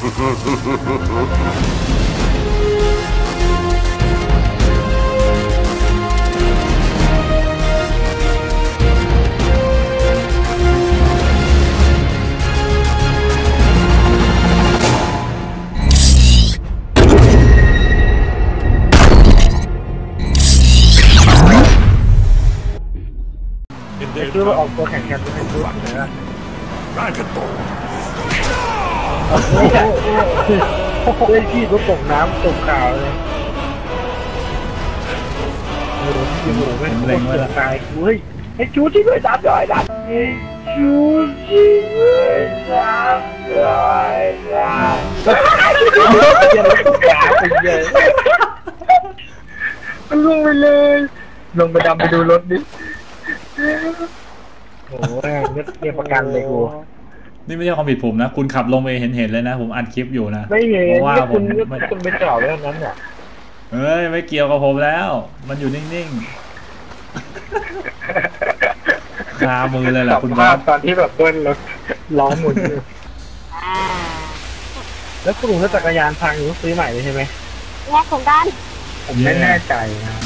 คือว่าออกตัวแข่งกันเป็นชุดเลยนะเล่นขี้ก็ตกน้ำตกข่าวเลยโอ้โหที่หมูไม่เล่นเลยตายเฮ้ยไอ้ชูที่ด้วยดับย่อยดับไอ้ชูที่ด้วยดับย่อยดับเดี๋ยวต้องขาไปเยอะมันลงไปเลยลงไปดำไปดูรถดิโอ้ยเรียกประกันเลยกูนี่ไม่ใช่ความผิดผมนะคุณขับลงไปเห็นเลยนะผมอัดคลิปอยู่นะไม่เห็นว่าคุณไปจอดไว้ตรงนั้นเนี่ยเฮ้ยไม่เกี่ยวกับผมแล้วมันอยู่นิ่งๆคามือเลยแหละคุณบอสตอนที่แบบเบิ้ลรถล้อหมุนอยู่แล้วคุณลุงรถจักรยานพังอยู่ซื้อใหม่เลยใช่ไหมแยกของกันผมไม่แน่ใจนะ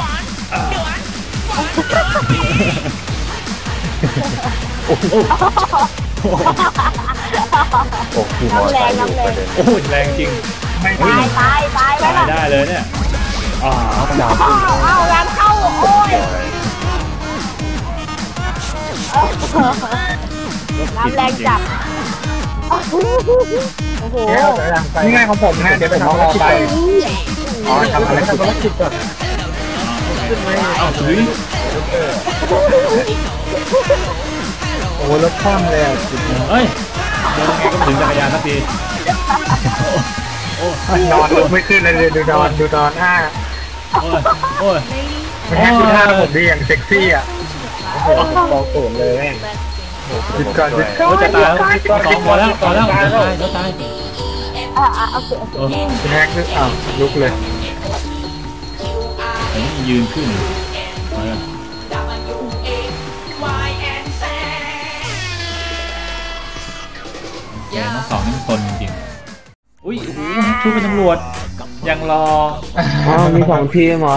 โอ้โหน้ำแรงโอ้แรงจริงตายได้เลยเนี่ยเอางานเข้าโอ้ยน้ำแรงจับโอ้โหนี่ไงของผมนะเดี๋ยวไปทำอะไรทำอะไรทำธุรกิจก่อนขึ้นไหมเอาถึงโอ้รถคว่ำเลยอ่ะเฮ้ยเดินไงก็ถึงจักรยานสักทีนอนไม่ขึ้นเลยดูนอนโอ้ยมันแค่ดูท่าผมดีอย่างเซ็กซี่อ่ะโอ้โหบอกโกรธเลยหยุดก่อนจะตายแล้วพอแล้วจะตายโอเคแฮกนึกลุกเลยยืนขึ้นน้องสองนี่มันตนจริงๆอุ้ยโอ้โหชูเป็นตำรวจยังรอมี2 ทีมเหรอ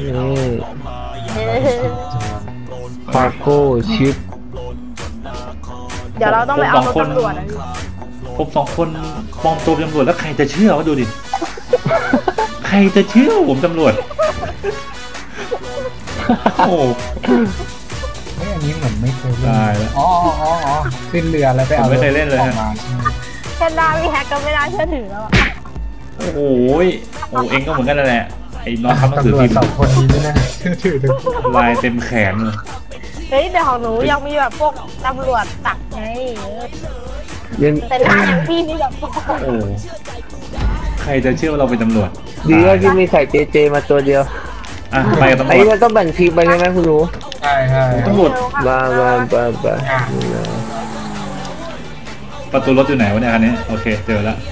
ฟาโก้ชิปเดี๋ยวเราต้องไปเอาตำรวจผม2 คนปลอมตัวเป็นตำรวจแล้วใครจะเชื่อวะดูดิใครจะเชื่อผมตำรวจโอ้อันนี้เหมือนไม่เคยเล่นตายแล้วขึ้นเรือแล้วไปเอาไม่เคยเล่นเลยฮะแค่ได้พี่แฮกก็ไม่ได้เชื่อถือแล้วโอ้โหเองก็เหมือนกันแหละไอ้น้องทำหนังสือพิมพ์ 2 คนนี้ด้วยนะเชื่อถือลายเต็มแขนเลยเฮ้ยแต่ของหนูยังมีแบบพวกตำรวจตักไงแต่หน้าอย่างพี่นี่แบบโอ้ใครจะเชื่อว่าเราเป็นตำรวจดีว่าที่มีใส่เจมาตัวเดียวไปกับตำรวจไอ้เราต้องแบ่งทีมไปใช่ไหมคุณรู้ใช่ตำรวจมาประตูรถอยู่ไหนวะเนี่ยคันนี้โอเคเจอแล้ว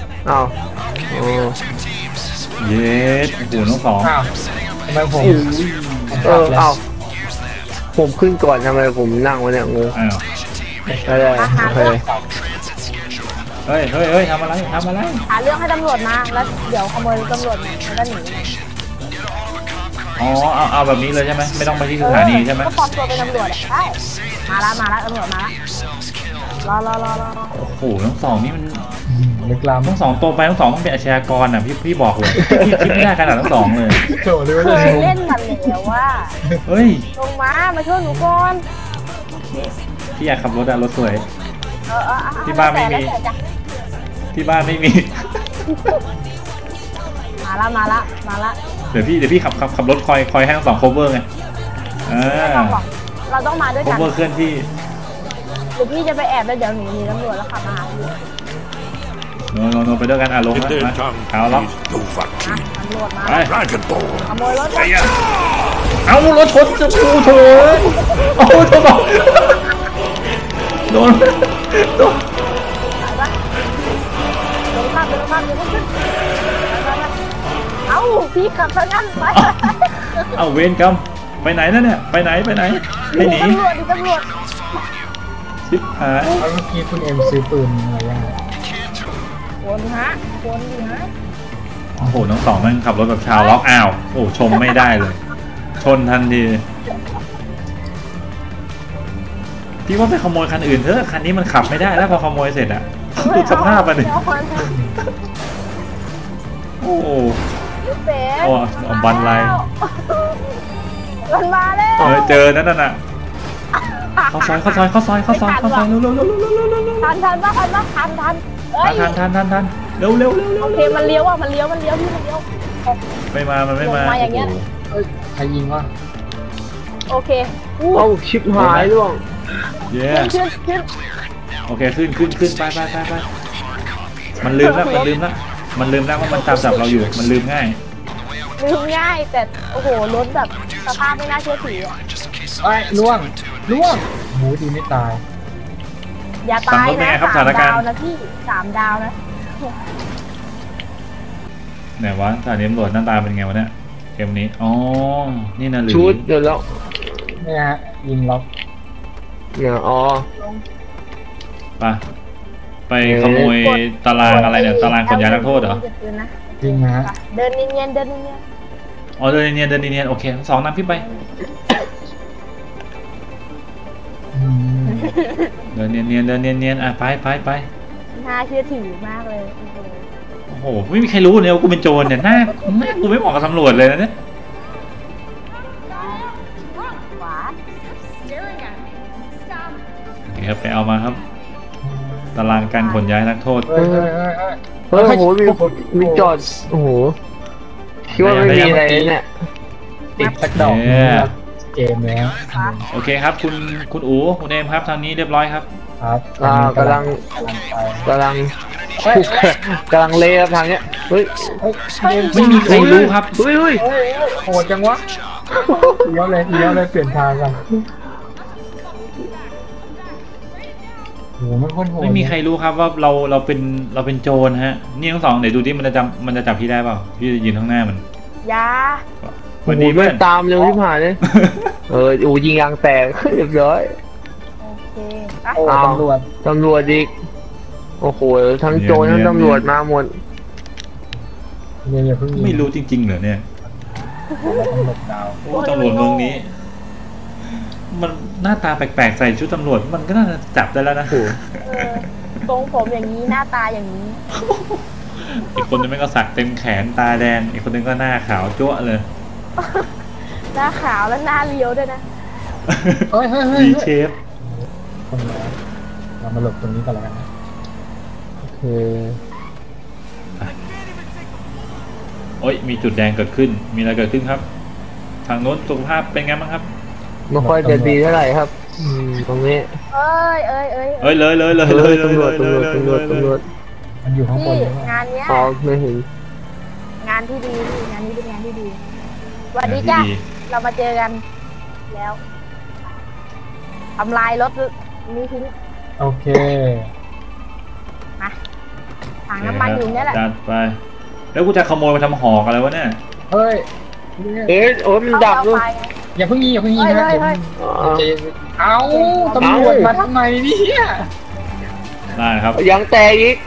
เย็ดโอ้โหน้องสองทำไมผมผมขึ้นก่อนทำไมผมนั่งวะเนี่ยงูได้โอเคเฮ้ยทำอะไรหาเรื่องให้ตำรวจมาแล้วเดี๋ยวขโมยตำรวจมาแล้วก็หนีเอาแบบนี้เลยใช่ไหมไม่ต้องไปที่สถานีใช่ไหมก็ปลอมตัวเป็นตำรวจใช่มาแล้วตำรวจมาแล้วรอโอ้โหทั้ง2นี่มันลึกล้ำทั้ง2ตัวไปทั้ง2ต้องเป็นอาชญากรพี่บอกเลยพี่คิดไม่ได้ขนาดทั้ง2เลยเคยเล่นมันแล้วว่าเฮ้ยลงมาช่วยหนูก่อนพี่อยากขับรถรถสวยที่บ้านไม่มีมาละเดี๋ยวพี่ขับรถคอยให้ทั้ง2 cover ไงเราต้องมาด้วยกัน cover เคลื่อนที่เดี๋ยวพี่จะไปแอบแล้วเดี๋ยวหนีตำรวจแล้วขับมาหาพี่โนไปด้วยกันลงมาเอาล็อกตำรวจมาขโมยรถเอารถชนจะพูเถอะโอ้เธอบอกโดนข้ามเดี๋ยวขึ้นเอาพี่ขับซะงั้นไปเอาเวรกรรมไปไหนนะเนี่ยไปไหนให้หนีตำรวจชิบหายเมื่อกี้คุณเอ็มซื้อปืนอะไรยังวนฮะวนดิฮะโอ้โหทั้งสองมันขับรถแบบชาวล็อกอ้าวโอ้ชมไม่ได้เลย ชนทันทีพี่ว่าไปขโมยคันอื่นเถอะคันนี้มันขับไม่ได้แล้วพอขโมยเสร็จอะดูสภาพมันดิโอ้โหเป๊ะโอ้บันไลมันมาแล้วเจอนั่นน่ะเข้าซอยเร็วเร็วโอเคมันเลี้ยวอ่ะมันเลี้ยวพี่มันเลี้ยวไม่มามันไม่มาอย่างเงี้ยเฮ้ยใครยิงวะโอเคเอ้าชิบหายล่วงเย้ขึ้นโอเคขึ้นไปมันลืมแล้วว่ามันตามจับเราอยู่มันลืมง่ายง่ายแต่โอ้โหรถแบบสภาพไม่น่าเชื่อถือไอ้ล่วงหมูดีไม่ตายอย่าตายนะ3 ดาวนะพี่3 ดาวนะไหนวะสถานีตำรวจหน้าตาเป็นไงวะเนี่ยเกมนี้อ๋อนี่นะหรือชุดเดี๋ยวแล้วเนี่ยฮะยิงล็อกเนี่ยอ๋อไปขโมยตารางอะไรเนี่ยตารางขนย้ายนักโทษเหรอยิงฮะเดินเนียนอ๋อเดินเนียนโอเคสองนำพี่ไปเดินเนียนอ่ะไปน่าเชื่อถือมากเลยโอ้โหไม่มีใครรู้เนี่ยว่ากูเป็นโจรเนี่ยหน้ากูไม่เหมาะกับตำรวจเลยนะเนี่ยขวาโอเคครับไปเอามาครับตารางการขนย้ายนักโทษเฮ้ยโอ้โหมีจอดโอ้โหคิดว่าไม่มีอะไรเนี่ยติดสักดอกเกมแล้วโอเคครับคุณอู๋คุณเอมครับทางนี้เรียบร้อยครับครับกำลังเละครับทางเนี้ยเฮ้ยไม่มีใครรู้ครับเฮ้ยโหดจังวะเลี้ยวเลยเปลี่ยนทางกันโหมันโคตรโหดไม่มีใครรู้ครับว่าเราเป็นโจรฮะนี่ทั้งสองเดี๋ยวดูดิมันจะจับพี่ได้เปล่าพี่จะยืนข้างหน้ามันยาสวัสดีเพื่อนตามเร็วที่ผ่านเลยยิงยางแตกเรียบร้อยโอเคโอ้ตำรวจอีกโอ้โหทั้งโจรทั้งตำรวจมาหมดเนี่ยเพิ่งไม่รู้จริงๆเหรอเนี่ยตำรวจดาวโอ้ตำรวจเมืองนี้ มันหน้าตาแปลกๆใส่ชุดตำรวจมันก็น่าจะจับได้แล้วนะทรงผมอย่างนี้หน้าตาอย่างนี้อีกคนนึงก็สักเต็มแขนตาแดงอีกคนนึงก็หน้าขาวจั๊วะเลยหน้าขาวและหน้าเลี้ยวด้วยนะดีเชฟคนแล้วเรามาหลบตรงนี้กันแล้วกันนะโอเคโอ้ยมีจุดแดงเกิดขึ้นมีอะไรเกิดขึ้นครับ ทางโน้นสุขภาพเป็นไงบ้างครับไม่ค่อยจะดีเท่าไหร่ครับตรงนี้เลยตำรวจมันอยู่ข้างบนงานเนี้ยอ๋อไม่เห็นงานที่ดีงานนี้เป็นงานที่ดีสวัสดีจ้ะเรามาเจอกันแล้วทำลายรถนี้ทิ้งโอเคมาถังน้ำมันอยู่เนี่ยแหละจัดไปแล้วกูจะขโมยมาทำหอกอะไรวะเนี่ยเฮ้ยโอ้ยมันดับด้วยอย่าเพิ่งยิงนะเอาตำรวจมาทำไมเนี่ยได้ครับยังแตกอีก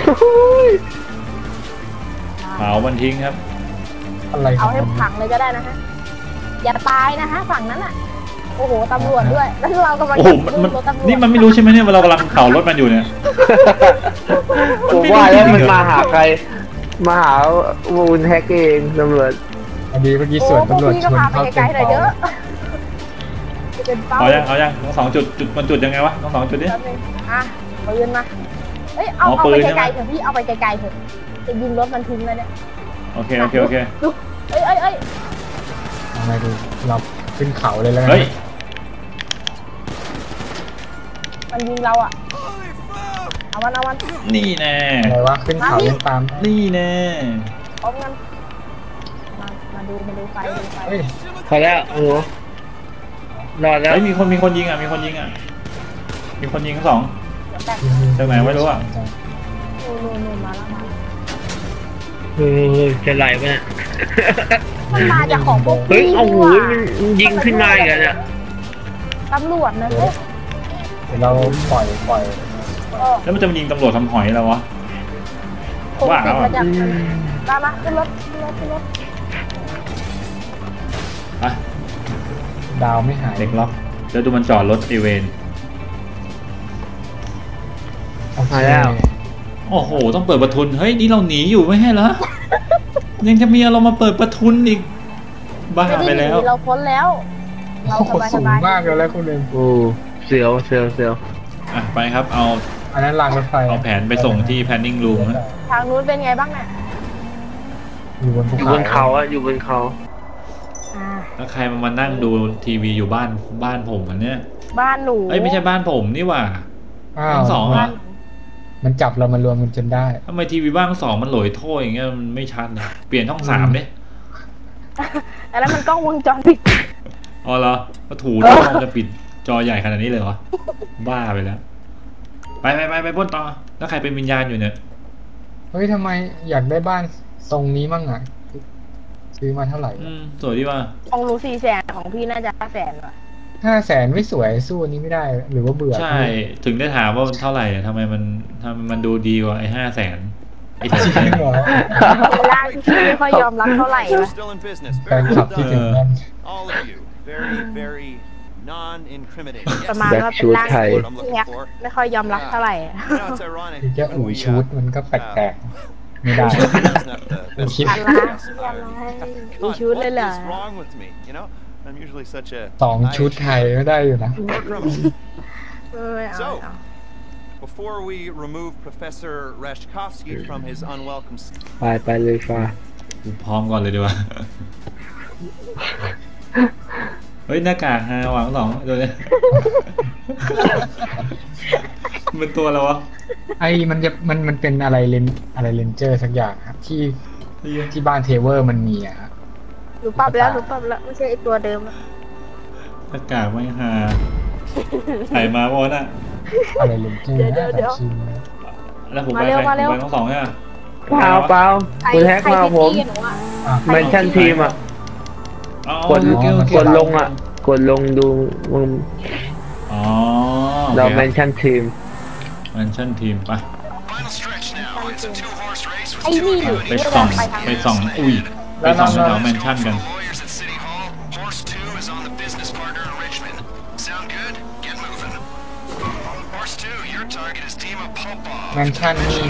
เผามันทิ้งครับอะไรเอาให้ผังเลยก็ได้นะฮะอย่าตายนะฮะฝั่งนั้นอ่ะโอ้โหตำรวจด้วยแล้วเรากำลังโอ้โหนี่มันไม่รู้ใช่ไหมเนี่ยว่าเรากำลังเผารถมันอยู่เนี่ยผมว่าแล้วมันมาหาใครมาหาวูนแฮกเองตำรวจพอดีเมื่อกี้ส่วนตำรวจชนเข้าเต็มเป้าเอายังทั้งสองจุดมันจุดยังไงวะทั้งสองจุดนี้อ่ะปืนมาเอ้ยเอาไปไกลๆเถอะพี่เอาไปไกลๆเถอะจะยิงรถมันทิ้งแล้วเนี่ยโอเคเอ้ยทำไงดูเราขึ้นเขาเลยแล้วเฮ้ยมันยิงเราอ่ะเอามันนี่แน่อะไรวะขึ้นเขาเล่นตามนี่แน่พร้อมกันมาดูไฟพอแล้วโอ้โหรอดแล้วเฮ้ยมีคนยิงอ่ะมีคนยิงทั้งสองจากไหนไม่รู้อ่ะนู่นมาแล้วจะไหลไหมเนี่ยมันมาจากของพวกเฮ้ยโอ้โหมันยิงขึ้นมาอีกแล้วเนี่ยตำรวจนะเฮ้ยเราปล่อยแล้วมันจะมายิงตำรวจทำหอยแล้ววะคงติดมาจากมาขึ้นรถขึ้นรถไปดาวไม่หายเด็กล็อกแล้วดูมันจอดรถไอเวนโอเคมาแล้วโอ้โหต้องเปิดประทุนเฮ้ยนี่เราหนีอยู่ไม่ใช่เหรอยังจะมีเรามาเปิดประทุนอีกบ้าไม่ไปได้หนีแล้วเราพ้นแล้วเราโอ้โหสสูงบายมากเลยแล้วคุณเองโอ้เสียวเสียวเสียวอ่ะไปครับเอาอันนั้นรางรถไฟเอาแผนไปส่งที่ planning room ฮะทางนู้นเป็นไงบ้างเนี่ยอยู่บนภูอยู่บนเขาอะอยู่บนเขาแล้วใครมานั่งดูทีวีอยู่บ้านผมอันเนี้ยบ้านหนูเอ้ยไม่ใช่บ้านผมนี่หว่าอ้าวทั้งสองบ้าอ่ะนหนูมันจับเรามารวมกันจนได้ทำไมทีวีบ้านทั้งสองมันโหลอยโถ้อย่างเงี้ยมันไม่ชัดเลยเปลี่ยนช่อง3เนี่ยอันนั้นมันกล้องวงจรปิดอ๋อเหรอก็ถูต้องจะปิดจอใหญ่ขนาดนี้เลยเหรอบ้าไปแล้วไปพ่นต่อแล้วใครเป็นวิญญาณอยู่เนี่ยเฮ้ยทำไมอยากได้บ้านทรงนี้มั่งอ่ะซื้อมาเท่าไหร่สวยดีว่าของหนู400,000ของพี่น่าจะ500,000ว่ะ 500,000ไม่สวยสู้อันนี้ไม่ได้หรือว่าเบื่อใช่ถึงได้ถามว่าเท่าไหร่ทำไมมันดูดีกว่าไอ้500,000ไอ้แถวจริงเหรอเป็นร่างที่พี่ไม่ค่อยยอมรับเท่าไหร่วะ Still in business. แฟน Very คลับ well ที่ done. ถึงนั่น All of you. Very, very non-incriminating. ประมาณว่าเป็นร่างที่พี่แฮกไม่ค่อยยอมรับเท่าไหร่ You know, it's ironic. แค่อู่ when we, ชุดมันก็แปลกๆไม่ได้ that's not the best คิดอะไร podcast มี God, ชุดเลยเหรอ what is wrong with me? You know, I'm usually such a 2 ชุดไทยก็ได้อยู่นะ War criminal. ไม่เอา So, before we remove Professor Rashkovsky from his unwelcome ไปเลยฟ้าพร้อมก่อนเลยดีกว่า เฮ้ยหน้ากากฮาหวังสองตัวเนี้ยมันตัวอะไรวะไอ้มันจะมันเป็นอะไรเลนเจอร์สักอย่างครับที่บ้านเทเวอร์มันมีอะครับหนูปรับแล้วไม่ใช่ไอตัวเดิมแล้วหน้ากากไม่ฮาใส่มาบอน่ะอะไรเลนเจอร์นะแต่ชิมแล้วผมไปใครผมไปทั้งสองเนี่ยเปล่าคุณแฮกมาผม เมนชั่นทีมอะกดลงอะกดลงดูมึงอ๋อเราเมนชั่นทีมเมนชั่นทีมไปไอ้นี่หนูไปส่องอุ้ยไปส่องแถวแมนชั่นกันแมนชั่นนี่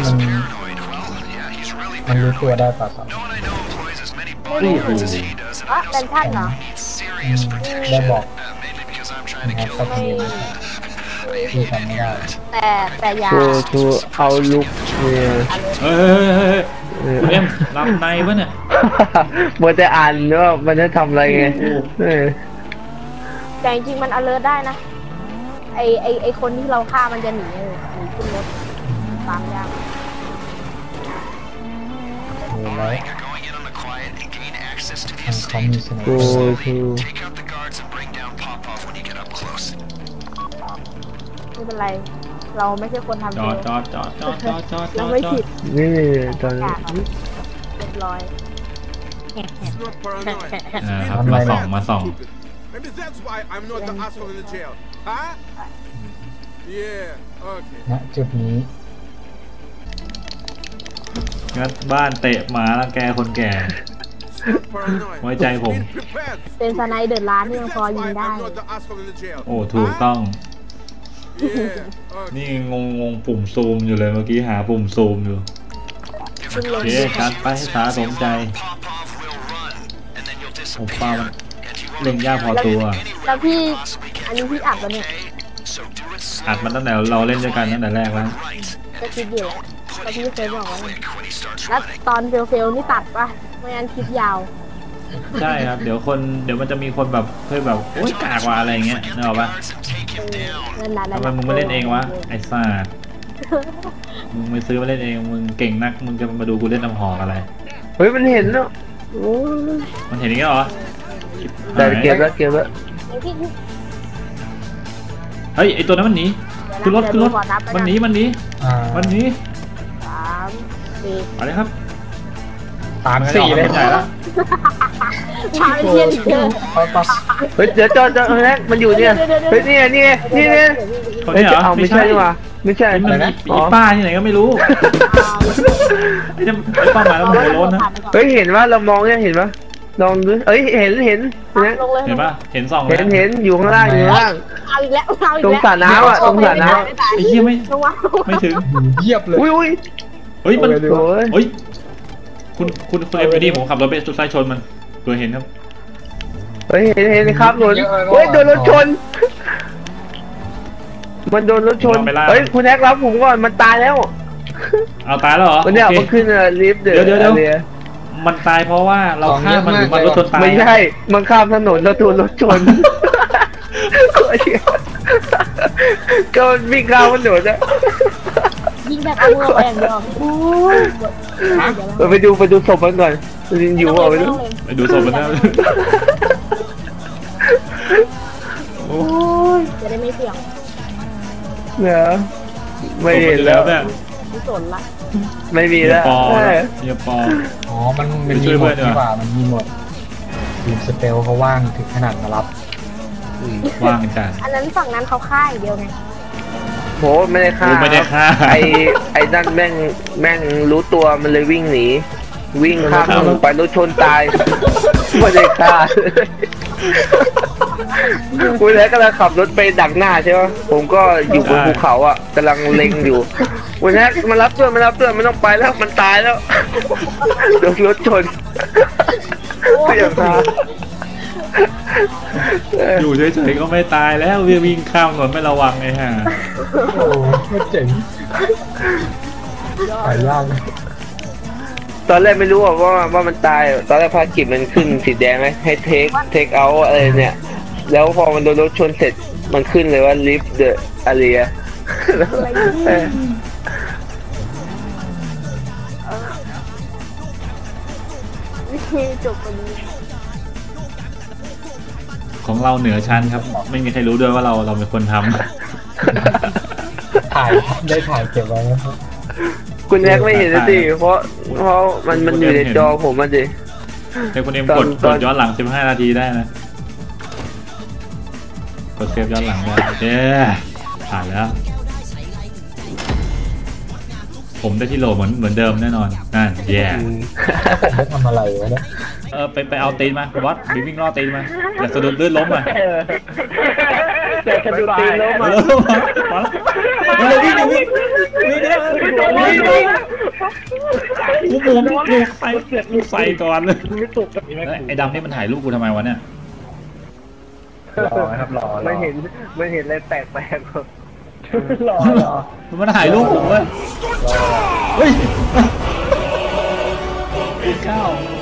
มันรู้ตัวได้ป่ะครับไม่รู้อ่ะเป็นท่านเหรอได้บอกนะครับสักทีที่ทำไม่ได้แต่อย่าทูเอาลุกเนี่ยเฮ้ยคุณเอ็มรับในปะเนี่ยมัวแต่อ่านว่ามันจะทำอะไรไงแต่จริงๆมัน alert ได้นะไอคนที่เราฆ่ามันจะหนีขึ้นรถตามยากโอ้แล้วเขามีสนุกทูไม่เป็นไร เราไม่ใช่คนทำจอดเราไม่ผิดนี่ตอนนี้เรียบร้อย Not paranoid. ครับมาส่อง Maybe that's why I'm not the asshole in the jail. Huh? Yeah, okay. ณจุดนี้งัดบ้านเตะหมาแล้วแกคนแก่ Not paranoid. ไว้ใจผม Be prepared. เป็นสไนเดอร์ร้านที่ยัง Maybe พอ that's ยิง why ได้ I'm not the asshole in the jail. โอ้ถูกต้อง Yeah, okay. นี่งงปุ่มซูมอยู่เลยเมื่อกี้หาปุ่มซูมอยู่ขึ้นรโอถเคชัดไปให้ตาสมใจโอ้ป้ามันเล่นยากพอตัวแล้วพี่อันนี้พี่อัดแล้วเนี่ยอัดมันตั้งแต่เราเล่นด้วยกันตั้งแต่แรกแล้วก็คิดอยู่แหละแล้วพี่เคยบอกว่าแล้วตอนเฟลนี่ตัดปะไม่งั้นคลิปยาวใช่ครับเดี๋ยวมันจะมีคนแบบเคยแบบโอ๊ยกากว่าอะไรเงี้ยนึกออกปะนั่นแหละทำไมมึงไม่เล่นเองวะไอ้ซ่ามึงไม่ซื้อมาเล่นเองมึงเก่งนักมึงจะมาดูกูเล่นน้ำหอกอะไรเฮ้ยมันเห็นเนาะมันเห็นอย่างนี้เหรอแต่เก็บแล้วเฮ้ยไอตัวนั้นมันหนีขึ้นรถมันหนีอ่ามันหนี 3 4 อะไรครับ 3-4เลยไม่ได้แล้วชาเทียนอีกเจอเฮ้ยเดี๋ยวจอแฮกมันอยู่เนี่ยเฮ้ยนี่คนนี้เหรอเอาไม่ใช่ดีกว่าไม่ใช่ไอ้มันอะไรมีนะอีป้าที่ไหนก็ไม่รู้ไอ้ป้ามาแล้วหัวโล้นนะเฮ้ยเห็นว่าเรามองเนี่ยเห็นปะลองดูเอ้ยเห็นนะลงเลยเห็นปะเห็นสองเห็นอยู่ข้างล่างอยู่ข้างล่างเอาอีกแล้วเอาอีกตรงแล้วสระน้ำอ่ะตรงสระน้ไอ้เหี้ยไม่ลงมาไม่ถึงเยียบเลยำอุ้ยเฮ้ยมันโอ้ยเฮ้ยคุณเอ็มพีดีผมขับรถไปสุดท้ายชนมันตัวเห็นครับเฮ้ยเห็นครับหนุนเฮ้ยโดนรถชน มันโดนรถชนเฮ้ยคุณแอ๊กรับผมก่อนมันตายแล้วเอาตายแล้วเหรอมันเนี่ยโอเคมันขึ้นลิฟต์เดี๋เดี๋ยว มันตายเพราะว่าเราฆ่ามันหรือมันรถชนตายไม่ใช่มันข้ามถนนแล้วโดนรถชนก็วิ่งข้ามถนนนะยิงแบบเอามือไปอย่างเดียวไปดูศพมันก่อนอยู่เปล่าไปดูไปดูศพมันนะโอ้ยจะได้ไม่เสี่ยงเนอะไม่เห็นแล้วเนี่ยไม่สนละไม่มีเฮียแล้วปอเฮียปออ๋อมันไปมีช่วยหมเพื่อดนดีกว่าดีกว่ามันมีหมดทีมสเปลเขาว่างถึงขนาดมารับว่างจัดอันนั้นฝั่งนั้นเขาฆ่าอย่างเดียวไงโหไม่ได้ฆ่ากูไม่ได้ฆ่าไอ้นั่นแม่งรู้ตัวมันเลยวิ่งหนีวิ่งข้ามถนนไปรถชนตายไม่ได้ฆ่าคุณแล้วกำลังขับรถไปดักหน้าใช่ไหมผมก็อยู่บนภูเขาอ่ะกำลังเล็งอยู่คุณแท็กมารับเพื่อนไม่ต้องไปแล้วมันตายแล้วโดนรถชนก็อย่างนั้นอยู่เฉยๆก็ไม่ตายแล้ววิ่งข้ามถนนไม่ระวังไอ้ห่าโอ้ไม่เจ๋งหายากเลยตอนแรกไม่รู้ว่ามันตายตอนแรกภารกิจมันขึ้นสีแดงไหมให้เทคเอาอะไรเนี่ยแล้วพอมันโดนรถชนเสร็จมันขึ้นเลยว่า lift the area จบกันนี้ของเราเหนือชั้นครับ ไม่มีใครรู้ด้วยว่าเราเป็นคนทำถ่ายได้ถ่ายเก็บไว้นะครับคุณแท็กไม่เห็นสิเพราะมันอยู่ในจอผมมันดิแต่คุณเอ็มตอนกดย้อนหลัง15 นาทีได้นะกดเซฟย้อนหลังได้เย้ผ่านแล้ว ผมได้ที่โหลเหมือนเดิมแน่นอนนั่นแย่ผมไม่ทำอะไรวะเนี่ยไปเอาตีนมาวัดวิ่งล่อตีนมาอย่าสะดุดลื่นล้มอ่ะแต่กระดูกตีนล้มมาอ่ะแล้วมาเลยวิ่งกูใส่ก่อนเลยไอ้ดำนี่มันถ่ายรูปกูทำไมวะเนี่ยรอครับรอไม่เห็นอะไรแปลกรอมันถ่ายรูปผมเว้ยเฮ้ยไอ้เก้า